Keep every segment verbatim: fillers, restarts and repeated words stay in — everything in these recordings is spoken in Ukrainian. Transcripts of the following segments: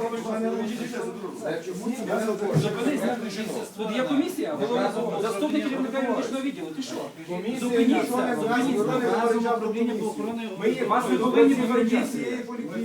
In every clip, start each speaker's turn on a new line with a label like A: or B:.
A: Тут є комісія, голова заступник керівника юридичного відділу. Ти що? Зупиніться, зупиніться. Вас не повинні попереджати.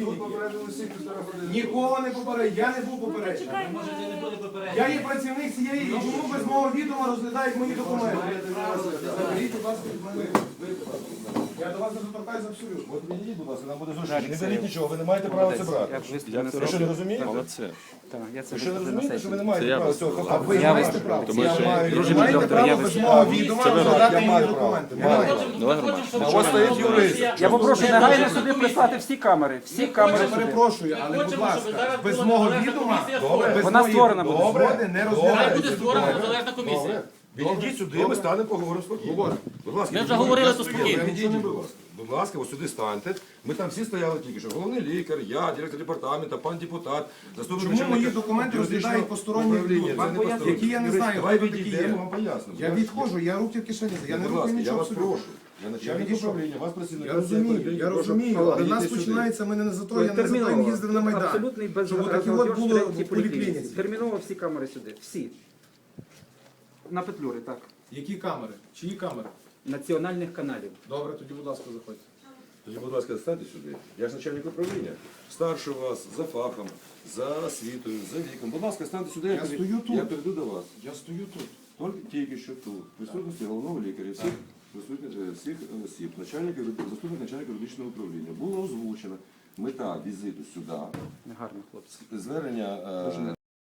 B: Нікого не попереджаю, я не був попереджений. Я є працівник цієї, і чому без мого відома розглядають мої документи? Заберіть, будь ласка, від мене. Я до вас не доторкаюся абсолютно.
C: От мені, будь ласка, нам буде зручніше. Не даріть нічого, ви не маєте права це брати. Ви що, не розумієте?
D: Молодці.
C: Ви що, не розумієте, що ви не маєте права цього? А ви
A: Я
C: маєте право.
D: Тому
C: Я
D: що-
C: маю.
D: Друже,
C: Ви маєте
A: доктор,
C: право
A: я
C: без
A: ви-
C: мого відома
D: Це ви
C: розглядати
B: робите.
C: мої документи. Маю.
D: Давай, Роман.
C: А ось стоїть юрист.
A: Я попрошу негайно сюди прислати всі камери. Всі камери
B: Я
A: сюди.
B: перепрошую, але, будь ласка, без мого відома, без
A: Вона
B: моєї
A: створена буде.
B: згоди не розглядають.
E: Буде створена незалежна комісія.
C: Відійдіть сюди, ми станемо, поговоримо спокійно. Будь ласка,
E: Ми вже говорили, то спокійно.
C: Відійдіть, будь ласка. Будь ласка, ось сюди станьте. Ми там всі стояли тільки що. Головний лікар, я, директор департаменту, пан депутат, заступник
B: Чому
C: начальника
B: мої документи
C: юридичного
B: розглядають посторонні
C: управління?
B: люди?
C: Це не посторонні.
B: Які я не
C: Юрист,
B: знаю,
C: давай
B: хто такі
C: відійдемо,
B: є.
C: вам поясню.
B: Я відходжу, я руки в кишені. Я не
C: Будь
B: рухаю
C: ласка, я
B: нічого
C: вас
B: абсолютно.
C: прошу. Я начальник
B: відійшов.
C: управління, вас працівник.
B: Я розумію, я розумію, але в нас починається, ми не за то, я не за то їм їздив на Майдан.
A: Абсолютний
B: Щоб отакі от було в поліклініці.
A: Терміново всі камери сюди. Всі. На Петлюри, так.
B: Які камери? Чиї камери?
A: Національних каналів.
B: Добре, тоді, будь ласка, заходьте.
C: Тоді, будь ласка, станьте сюди. Я ж начальник управління. Старше вас, за фахом, за освітою, за віком. Будь ласка, станьте сюди,
B: Я
C: пере-
B: стою тут.
C: я перейду до вас.
B: Я стою тут.
C: Тільки, тільки що тут. В присутності головного лікаря, всіх, присутніх, е, всіх осіб, начальника, юри- заступник начальника юридичного управління. Було озвучено мета візиту сюди,
A: Негарно, хлопці.
C: звернення